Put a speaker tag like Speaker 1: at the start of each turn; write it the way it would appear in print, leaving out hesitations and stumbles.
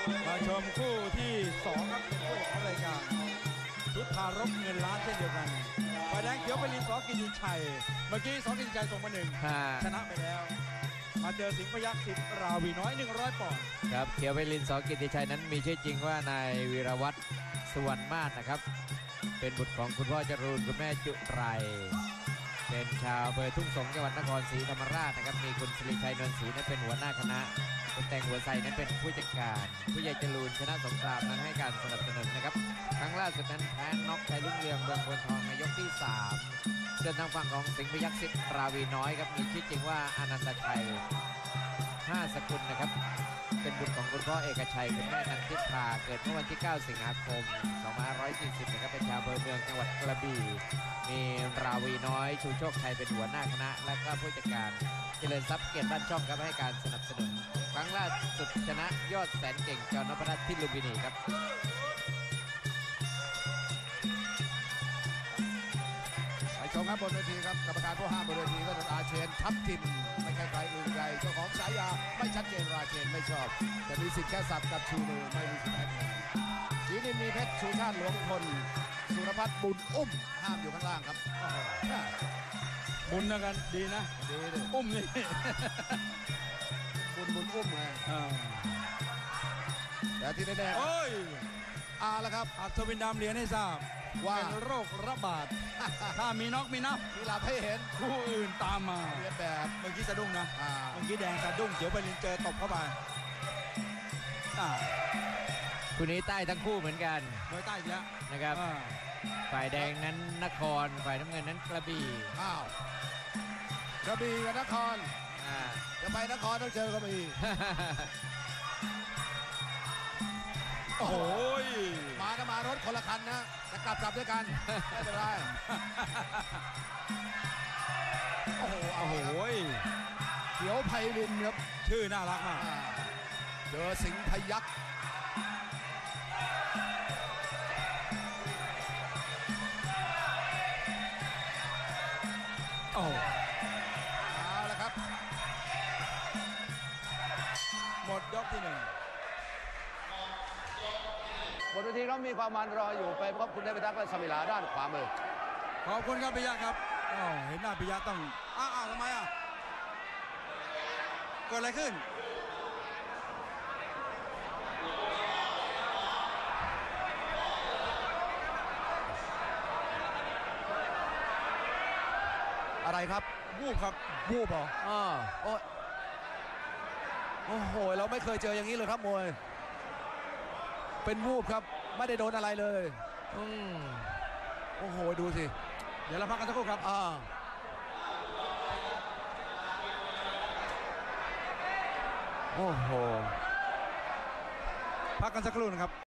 Speaker 1: มาชมคู่ที่2ครับเป็นคู่ของรายการชุดพารบเงินล้านเช่นเดียวกันฝ่ายแดงเขียวไปลินสกิติชัยเมื่อกี้สกิติชัยส่งมา1ชนะไปแล้วมาเจอสิงห์พยัคฆ์สิทธิ์ราวีน้อย100 ปอนด์
Speaker 2: ครับเขียวไปลินสกิติชัยนั้นมีชื่อจริงว่านายวีรวัฒน์สุวรรณมาศนะครับเป็นบุตรของคุณพ่อจรูนคุณแม่จุไรเป็นชาวอำเภอทุ่งสงจังหวัดนครศรีธรรมราชนะครับมีคุณสิริชัยนวลศรีนั้นเป็นหัวหน้าคณะคุณแตงหัวไซนั้นเป็นผู้จัดการผู้ใหญ่จรูนชนะสงครามนั้นให้การสนับสนุนนะครับครั้งล่าสุดนั้นแพ้น็อกชัยรุ่งเรืองเมืองพลทองในยกที่3ส่วนทางฝั่งของสิงห์พยัคฆ์สิทธิ์ราวีน้อยครับมีชื่อจริงว่าอนันตชัย5 สกุลนะครับเป็นบุตรของคุณพ่อเอกชัยคุณแม่นันทิพาเกิดเมื่อวันที่ 9 สิงหาคม 2540นะครับเป็นชาวอำเภอเมืองจังหวัดกระบี่มีราวีน้อยชูโชคชัยเป็นหัวหน้าคณะและก็ผู้จัดการเจริญทรัพย์เกียรติบ้านช่องครับให้การสนับสนุนครั้งล่าสุดชนะยอดแสนเก่งจอนพรัตน์ที่ลุมพินีครับ
Speaker 3: ไปชมครับบนเวทีครับกรรมการผู้ห้ามบนเวทีก็อาเชนทัพทิมไม่ใช่ใครอื่นใดเจ้าของฉายาไม่ชัดเจนราเชนไม่ชอบแต่มีสิทธิ์แค่สับกับชูมือไม่มีสิทธิ์แพ้จีนินมีเพชรชูชาติหลวงพลสุรพัฒน์บุญอุ้มห้ามอยู่ข้างล่างครับ
Speaker 1: บุญนะกันดีนะ
Speaker 3: ดีเลย
Speaker 1: อุ้มนี่
Speaker 3: บุญอุ้มไงแต่ที่แน่
Speaker 1: ๆโอ้ย
Speaker 3: แล้วครับ
Speaker 1: อัศวินดำเรียนให้ทราบว่าเป็นโรคระบาดถ้ามีน็อกมีนับ
Speaker 3: มีหลับให้เห็น
Speaker 1: คู่อื่นตามมา
Speaker 3: เรียนแบบ
Speaker 1: เมื่อกี้สะดุ้งนะเมื่อกี้แดงสะดุ้งเขียวไปลินเจอตบเข้าไป
Speaker 2: คู่นี้ใต้ทั้งคู่เหมือนกัน
Speaker 1: มวยใต้อีกแล้ว
Speaker 2: นะครับฝ่ายแดงนั้นนครฝ่ายน้ำเงินนั้นกระบี่
Speaker 3: กระบี่กับนครจะไปนครต้องเจอกระบี่
Speaker 1: โอ้ย
Speaker 3: มารถคนละคันนะจะกลับด้วยกันไม่เป็นไรโอ้โหเขียวไพลินครับ
Speaker 1: ชื่อน่ารักมาก
Speaker 3: เจอสิงห์พยัคฆ์เอาละครับ
Speaker 1: หมดยกที่1
Speaker 3: บนเวทีเรามีความมันรออยู่ไปพบคุณเดชพิทักษ์และสมิลาด้านขวามือ
Speaker 1: ขอบคุณครับปิยะครับเห็นหน้าปิยะต้องทำไมเกิดอะไรขึ้น
Speaker 3: อะไรครับ
Speaker 1: วูบครับ
Speaker 3: วูบเหรอโอ้โหเราไม่เคยเจออย่างนี้เลยครับมวยเป็นวูบครับไม่ได้โดนอะไรเลยโอ้โหดูสิ
Speaker 1: เดี๋ยวเราพักกันสักครู่ครับ
Speaker 3: โอ้โห
Speaker 1: พักกันสักครู่นะครับ